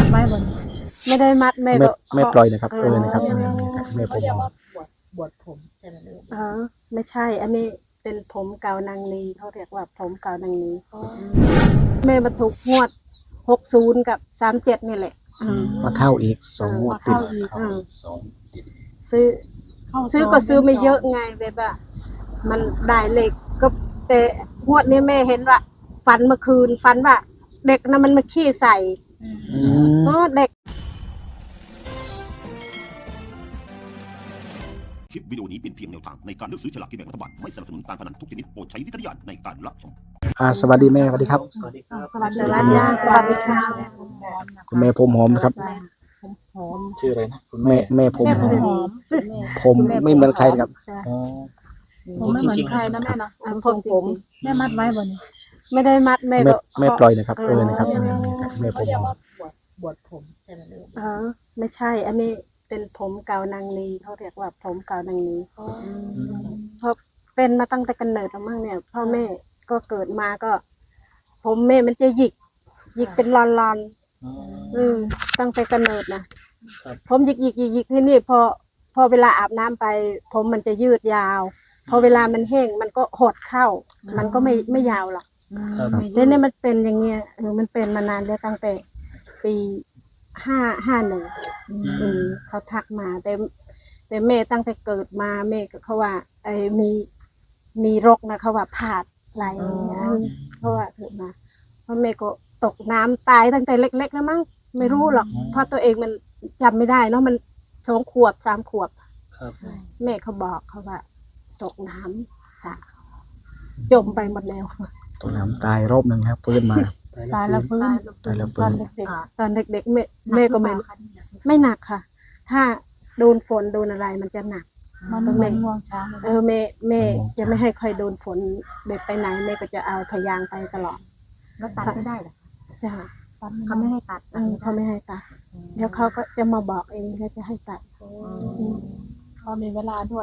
ไว้บนไม่ได้มัดแม่ไม่ปล่อยนะครับนะครับแม่ผมบวชผมใช่ไหมลูกไม่ใช่อันนี้เป็นผมเก่านางนีเขาเรียกว่าผมเก่านางนีแม่มาถูกงวด60กับ37นี่แหละมาเข้าอีก2 งวดติดซื้อก็ซื้อไม่เยอะไงแบบว่ามันได้เลขก็แต่งวดนี้แม่เห็นว่าฝันเมื่อคืนฝันว่าเด็กนะมันมาขี้ใส่เด็กคลิปวิดีโอนี้เป็นเพียงแนวทางในการเลือกซื้อฉลากกินแบ่งรัฐบาลไม่สนับสนุนการพนันทุกชนิดโปรดใช้วิจารณญาณในการรับชมสวัสดีแม่สวัสดีครับสวัสดีค่ะคุณแม่ผมหอมนะครับชื่ออะไรนะคุณแม่ผมหอมผมไม่เหมือนใครครับผมไม่เหมือนใครนะแม่เนาะผมแม่มัดไว้บนไม่ได้มัดแม่ปล่อยนะครับนะครับแม่ผมหอมบวชผมใช่ไหมลูกไม่ใช่อันนี้เป็นผมเก่านางนีเขาเรียกว่าผมเก่านางนีเพราะเป็นมาตั้งแต่กำเนิดแล้วมั้งเนี่ยพ่อแม่ก็เกิดมาก็ผมแม่มันจะหยิกเป็นลอนตั้งแต่กำเนิดนะผมหยิกที่นี่พอเวลาอาบน้ำไปผมมันจะยืดยาวพอเวลามันแห้งมันก็หดเข้ามันก็ไม่ยาวหรอกแล้วเนี่ยมันเป็นอย่างเงี้ยมันเป็นมานานแล้วตั้งแต่ปี51เขาทักมาแต่แม่ตั้งแต่เกิดมาแม่ก็เขาว่ามีรกนะเขาว่าผาดไหลเขาว่าเกิดมาเพราะแม่ก็ตกน้ำตายตั้งแต่เล็กๆแล้วมั้งไม่รู้หรอกเพราะตัวเองมันจำไม่ได้เนาะมัน2 ขวบ 3 ขวบแม่เขาบอกเขาว่าตกน้ำสระจมไปหมดแล้วตกน้ำตายรอบนึงครับฟื้นมาตายแล้วฟื้นตอนเด็กแม่ก็ไม่หนักค่ะถ้าโดนฝนโดนอะไรมันจะหนักมันไม่ง่วงช้างแม่จะไม่ให้ใครโดนฝนเด็กไปไหนแม่ก็จะเอาพยางไปตลอดแล้วตัดไม่ได้หรอจ้ะเขาไม่ให้ตัดเขาไม่ให้ตัดเดี๋ยวเขาก็จะมาบอกเองเขาจะให้ตัดเขามีเวลาด้วย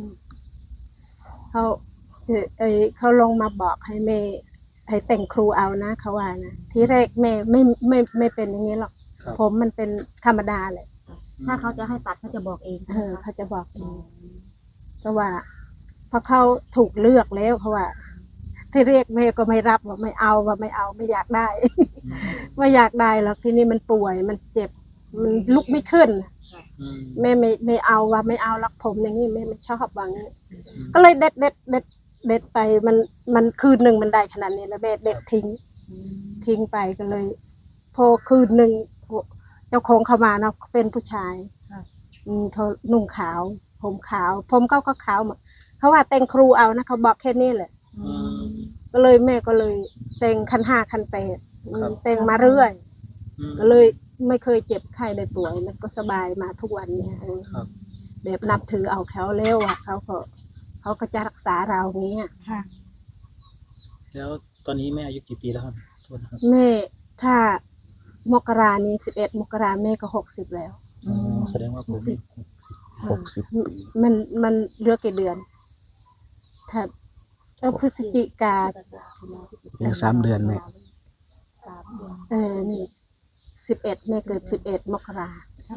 เขาลงมาบอกให้แม่ให้แต่งครูเอานะเขาว่านะทีแรกแม่ไม่เป็นอย่างนี้หรอกผมมันเป็นธรรมดาเลยถ้าเขาจะให้ตัดเขาจะบอกเองเขาจะบอกเองเพราะว่าพอเขาถูกเลือกแล้วเขาว่าที่เรียกแม่ก็ไม่รับว่าไม่เอาไม่อยากได้ ไม่อยากได้หรอกทีนี้มันป่วยมันเจ็บมันลุกไม่ขึ้นแม่ไม่เอาว่าไม่เอารักผมอย่างนี้แม่ไม่ชอบว่างี้ก็เลยเด็ดไปมันคืนหนึ่งมันได้ขนาดนี้แล้วแม่เด็ดทิ้งไปก็เลยพอคืนหนึ่งเจ้าของเขามาเนาะเป็นผู้ชายเขานุ่งขาวผมขาวผมก็ขาวหมดเขาว่าแต่งครูเอานะเขาบอกแค่นี้แหละก็เลยแม่ก็เลยแต่งคัน 5 คัน 8แต่งมาเรื่อยก็เลยไม่เคยเจ็บไข้ได้ป่วยแล้วก็สบายมาทุกวันเนี่ยแบบนับถือเอาเขาแล้วอ่ะเขาก็จะรักษาเราอย่างเงี้ยแล้วตอนนี้แม่อายุกี่ปีแล้วครับแม่ถ้ามกรานี้11 มกราแม่ก็60แล้วแสดงว่าผม60 ปีมันเหลือกี่เดือนถ้าพฤศจิกายัง3 เดือนแม่นี่11แม่เกิด11 มกรา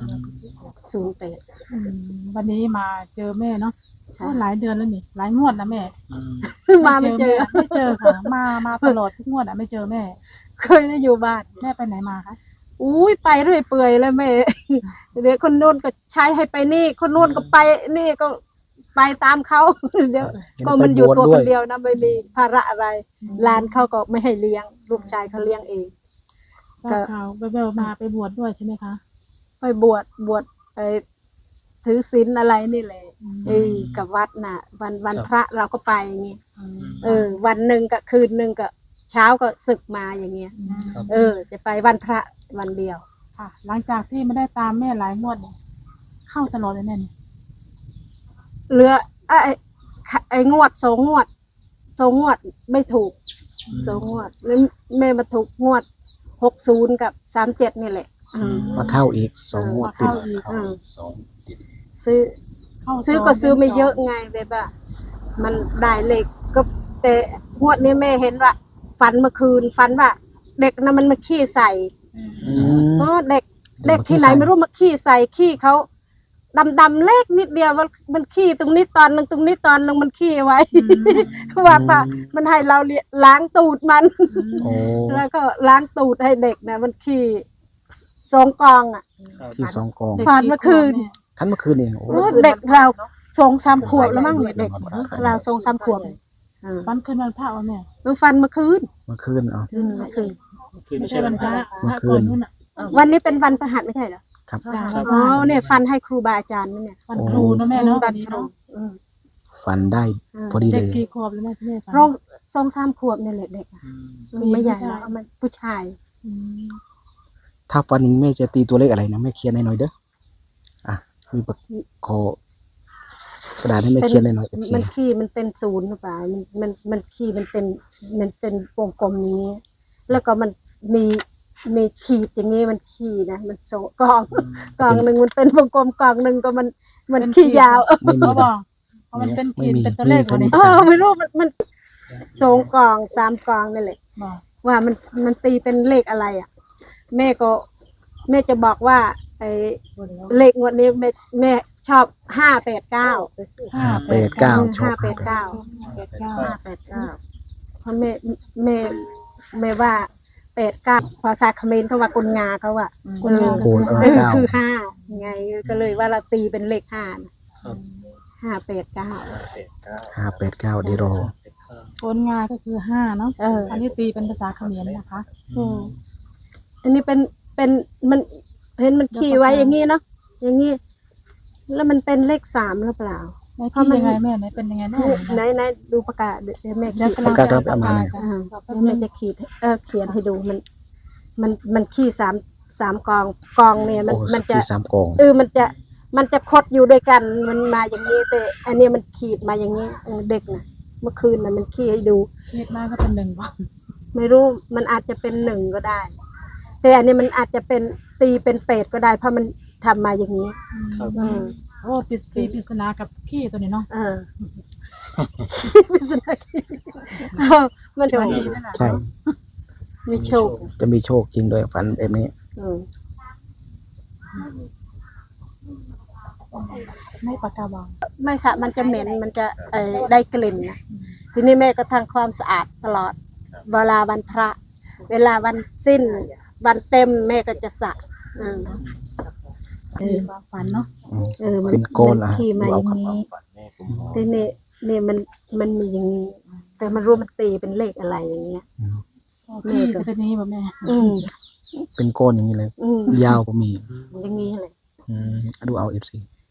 08 วันนี้มาเจอแม่เนาะหลายเดือนแล้วนี่หลายงวดนะแม่มาไม่เจอค่ะมาตลอดทุกงวดไม่เจอแม่เคยได้อยู่บ้านแม่ไปไหนมาคะอุ้ยไปเรื่อยเปื่อยเลยแม่เดี๋ยวคนโน้นก็ใช้ให้ไปนี่คนโน้นก็ไปนี่ก็ไปตามเขาเดี๋ยวก็มันอยู่ตัวคนเดียวนะไม่มีภาระอะไรหลานเขาก็ไม่ให้เลี้ยงลูกชายเขาเลี้ยงเองก็เขาไปมาไปบวชด้วยใช่ไหมคะไปบวชไปถือศีลอะไรนี่แหละกับวัดน่ะวันพระเราก็ไปอย่างงี้วันหนึ่งกับคืนหนึ่งกับเช้าก็ศึกมาอย่างเงี้ยจะไปวันพระวันเดียวค่ะหลังจากที่ไม่ได้ตามแม่หลายงวดเข้าตลอดเลยแน่เหลือไอ้งวด2 งวดไม่ถูก2 งวดแล้วแม่มาถูกงวด60กับ37นี่แหละมาเข้าอีก2 งวดติดซื้อก็ซื้อไม่เยอะไงแบบว่ามันได้เลขก็แต่งวดนี้แม่เห็นว่าฝันเมื่อคืนฝันว่าเด็กนะมันมาขี้ใส่เด็กเด็กที่ไหนไม่รู้มาขี้ใส่ขี้เขาดำเล็กนิดเดียวมันขี้ตรงนี้ตอนนึงตรงนี้ตอนนึงมันขี้ไว้ว่าป่ะมันให้เราล้างตูดมันโอ้แล้วก็ล้างตูดให้เด็กนะมันขี้2 กองอ่ะที่2 กองผ่านเมื่อคืนคันเมื่อคืนนี่โอ้เด็กเรา2-3 ขวบแล้วมั้งเด็กเรา2-3 ขวบฟันขึ้นวันพระวะแม่มันฟันเมื่อคืนเมื่อคืนเอาเมื่อคืนคือไม่ไม่ใช่ใช่วัวัน นพพระระพระก่อนนู่นน่ะวันนี้เป็นวันพฤหัสไม่ใช่เหรอครับครับอ๋อเนี่ยฟันให้ครูบาอาจารย์นั่นเนี่ยวันครูเนอะแม่เนาะวัวัน นนี้ครูเนาะฝันได้พอดีเด็เลกยกี่ขวบแล้วแม่ที่แม่ฟันร้อง2-3 ขวบเนี่ยแหละเด็กอะอืมไม่ใหญ่ผู้ชายแล้วมันผู้ชายอืมถ้าฝันอย่างนี้แม่จะตีตัวเลขอะไรนะแม่เขียนให้หน่อยเด้ออ่ะมีปากคอกระดาษให้แม่เขียนให้หน่อย FC มันขี้มันเป็นศูนย์หรือเปล่ามันขี้มันเป็นวงกลมนี้ แล้วก็มันมีขีดอย่างนี้มันขี้นะมันโซกองหนึ่งมันเป็นวงกลมกองหนึ่งก็มันขี้ยาวไม่มีเขาบนะอกเพราะมันเป็นไม่ขีดมีเป็นตัวเลขไม่วันมีนี้ไม่รู้มัน2 กอง 3 กองนี่แหละบอกว่ามันตีเป็นเลขอะไรอ่ะ แม่จะบอกว่าไอ้เลขงวดนี้แม่ชอบ589 589ชอบ 589 589 เพราะแม่ว่า89ภาษาเขมรเขาว่ากุนงาเขาว่าคุณงาโกน 9 คือ5ไงก็เลยว่าเราตีเป็นเลข5นะครับ 589 589ดีรอโกนงาก็คือ5เนาะเอออันนี้ตีเป็นภาษาเขมรนะคะอันนี้เป็นมันเห็นมันขี่ไว้อย่างงี้เนาะอย่างงี้แล้วมันเป็นเลข3หรือเปล่าในที่ยังไงแม่ไหนเป็นยังไงแม่ไหนดูประกาศเดี๋ยวแม่เดี๋ยวขีดกำลังประกาศจะประมาณไหนเดี๋ยวแม่จะขีดเขียนให้ดูมันขี้สามกองเนี่ยมันโอ้มันจะที่3 กองมันจะคดอยู่ด้วยกันมันมาอย่างนี้แต่อันนี้มันขีดมาอย่างนี้เด็กนะเมื่อคืนน่ะมันขี้ให้ดูเรียกมาก็เป็น1วันไม่รู้มันอาจจะเป็น1ก็ได้ แต่อันนี้มันอาจจะเป็นตีเป็น8ก็ได้ เพราะมันทำมาอย่างนี้ครับโอ้ตีปริศนากับขี้ตัวนี้เนาะพิศนาขี้มันจะดีนั่นแหละใช่มีโชคจะมีโชคจริงด้วยฝันแบบนี้ไม่ปากกาบองไม่สะมันจะเหม็นมันจะได้กลิ่นนะทีนี้แม่ก็ทำความสะอาดตลอด เวลาวันพระ เวลาวันสิ้น วันเต็มแม่ก็จะสระความฝันเนาะมันเป็นโกนมัขี่มาอย่างนี้ทีนี่มันมีอย่างนี้ แต่มันรู้มันตีเป็นเลขอะไรอย่างเงี้ยขี้จะเป็นอย่างนี้ป่ะแม่เป็นก้อนอย่างนี้เลย ยาวก็มีอย่างนี้เลยดูเอา FC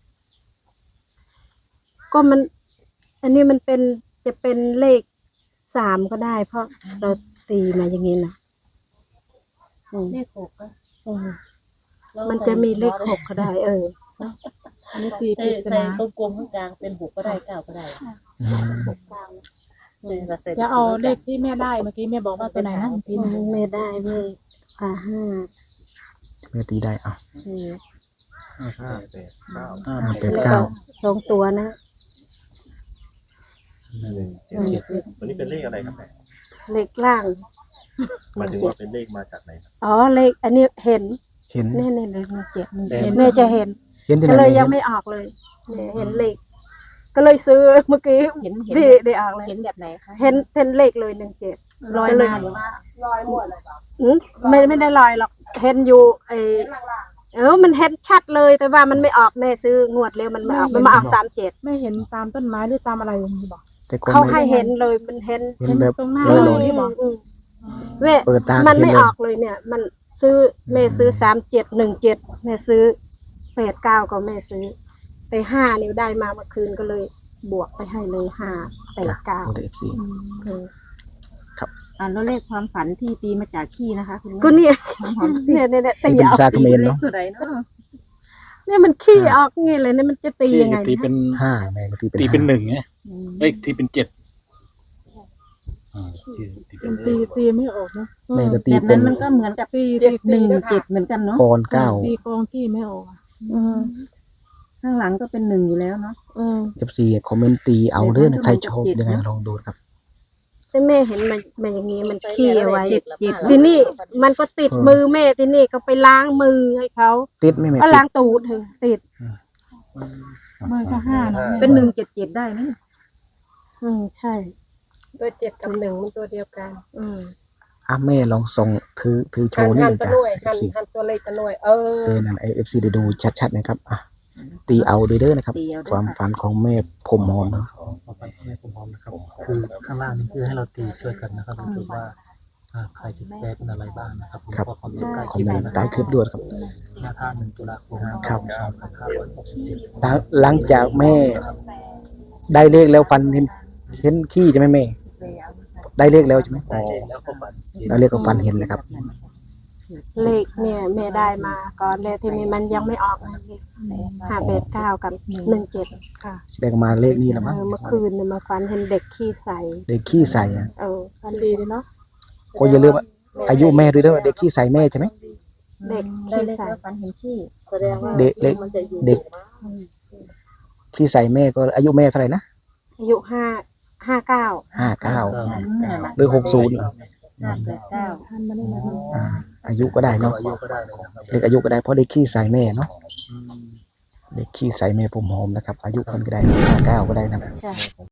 ก็มัน อันนี้มันจะเป็นเลข3ก็ได้ เพราะเราตีมาอย่างนี้นะเลข6ก็มันจะมีเลข6ก็ได้อันนี้ตีปใส่ริศใส่นาตรงกลมข้างกลางเป็น6ก็ได้9ก็ได้จะเอาเลขที่แม่ได้เมื่อกี้แม่บอกว่าตัวไหนนะเมื่อกี้ไม่ได้ไม่5 แม่ตีได้เอาแล้วก็2 ตัวนะวันนี้เป็นเลขอะไรครับแม่เลขล่างหมายถึงว่าเป็นเลขมาจากไหนครับอ๋อเลขอันนี้เห็นเห็นนี่เลข7แม่จะเห็นเห็นที่ไหก็นเลยแม่ยังไม่ออกเลยเนี่ยเห็นเลข ก็เลยซื้อเมื่อกี้เห็นที่ได้ออกเลยเห็นแบบไหนคะเห็นเลขเลย17 ลอยก็เลมาหรือว่าไม่ได้ลอยหรอกเห็นอยู่มันเห็นชัดเลยแต่ว่ามันไม่ออกแม่ซื้องวดเร็วมันไม่ออกมันมาออก37 ไม่เห็นตามต้นไม้หรือตามอะไรอย่างนี้บอกแต่ก่อนเขาแม่ให้เห็นเลยมันเห็นเห็นแบบตรงหน้าลอยเราๆที่บอกแม่เปิดตามันเห็นไม่เลอย อกเลยเนี่ย มันซื้อแม่ซื้อ3717แม่ซื้อ89ก็แม่ซื้อไป5นิ้วได้มาเมื่อคืนก็เลยบวกไปให้เลย589 โอ้แต่ FC แล้วเลขความฝันที่ตีมาจากขี้นะคะคุณแม่ก็เนี่ยตีเป็นออกซาเขมรเนาะตัวไหนเนาะเนี่ยมันขี้ออกงี้เลยเนี่ยมันจะตียังไงตีเป็น 5แม่ก็ตีเป็นตีเป็น 5 1ไงเลขตีเป็น7ตีเป็นตีไม่ออกเนาะแม่ก็ตีแบบเป็นั้น นมันก็เหมือนกับตี 1 7เหมือนกันเนาะกอน9 ตีกองขี้ไม่ออกข้างหลังก็เป็น1อยู่แล้วเนาะ FC คอมเมนต์ตีเอาเด้อนะใครชอบยังไงลองดูครับแต่แม่เห็นมันอย่างนี้มันขี้เอาไว้เจ็ดทีนี้มันก็ติดมือแม่ทีนี้ก็ไปล้างมือให้เขาติดไหม่แม่ก็ติล้าดงตูดเถอะติดเบอร์ก็5นะแม่เป็น177ได้ไหมใช่ตัว7 กับ 1มันตัวเดียวกันแม่ลองส่งถือโชว์นี่หันนะตัวจ้ะหน่วยเอฟซีหันตัวเลขตัวหน่วยนั่นเอฟซีได้ดูชัดๆนะครับตีเอาด้วยเด้อนะครับตีเอาความฝันของแม่ผมหอมนะความฝันของแม่ผมพร้อมนะครับ คือข้างล่างนี่คือให้เราตีช่วยกันนะครับดูว่าใครจะแก้เป็นอะไรบ้างนะครับผมก็คอมเมนต์ใต้คคอลิมปเมนต์นะคใต้รับคลิปด้วยครับหน้าท่า1 ตุลาคมครับ 2567 หลังจากแม่ได้เลขแล้วฟันเห็นขี้ใช่ไหมแม่ ได้เลขแล้วใช่ไหมได้เลขแล้วก็ฝันได้เลขก็ฟันเห็นเลยครับเลขเนี่ยแม่ได้มาก่อนเลยทีนี้มันยังไม่ออก589 กับ 17 ค่ะแสดงมาเลขนี้แล้วมั้งเมื่อคืนเนี่ยมาฝันเห็นเด็กขี้ใสเด็กขี้ใส่อะฝันดีเลยเนาะก็อย่าลืมว่าอายุแม่ด้วยเด้อเด็กขี้ใส่แม่ใช่ไหมเด็กได้ขี้เลขใสแล้วฝันเห็นขี้แสดงว่าเด็กเล็กมันจะอยู่เด็กขี้ใส่แม่ก็อายุแม่เท่าไหร่นะอายุ59 59หรือ60 589 ท่านมาได้แล้วอายุก็ได้ก็เนาะอายุก็ได้เลยนะครับเด็กอายุก็ได้เพราะเด็กขี้ใส่แม่เนาะเด็กขี้ใส่แม่ผมหอมนะครับ อายุคนก็ได้59ก็ได้นะครับจ้ะ